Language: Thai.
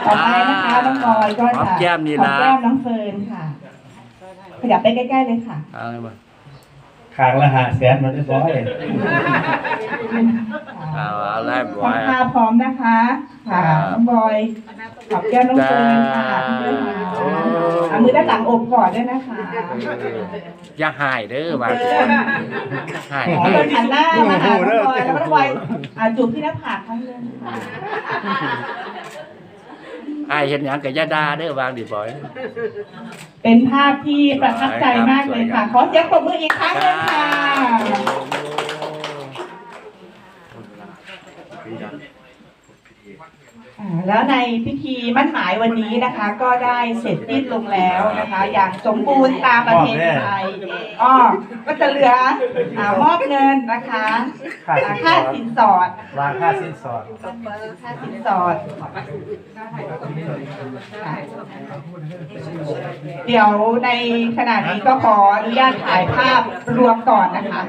ต่อไปนะคะน้องบอยก็จะหอมแก้มนี่นะหอมแก้มน้องเฟิร์นค่ะขยับไปใกล้ๆเลยค่ะเอาไงบ่ขางละ500,000มันเรียบร้อยเอาไล่บ่ทำท่าพร้อมนะคะค่ะน้องบอยหอมแก้มน้องเฟิร์นค่ะเอามือด้านหลังอกก่อนด้วยนะคะอย่าหายเด้อบางเฟิร์นหายขอเฟิร์นหันหน้ามาหาน้องบอยแล้วก็น้องบอยจูบที่หน้าผากครั้งนึงค่ะไอ้เห็นหยังกับยาดาเด้อบางดิบ่อยเป็นภาพที่ประทับใจมากเลยค่ะ ขอเสียงปรบมืออีกครั้งหนึงค่ะแล้วในพิธีมั่นหมายวันนี้นะคะ ก็ได้เสร็จสิ้นลงแล้วนะคะ อย่างสมบูรณ์ตามประเพณีไทยก็จะเหลือมอบเงินนะคะค่าสินสอดวางค่าสินสอดค่าสินสอด เดี๋ยวในขณะนี้ก็ขออนุญาตถ่ายภาพรวมก่อนนะคะ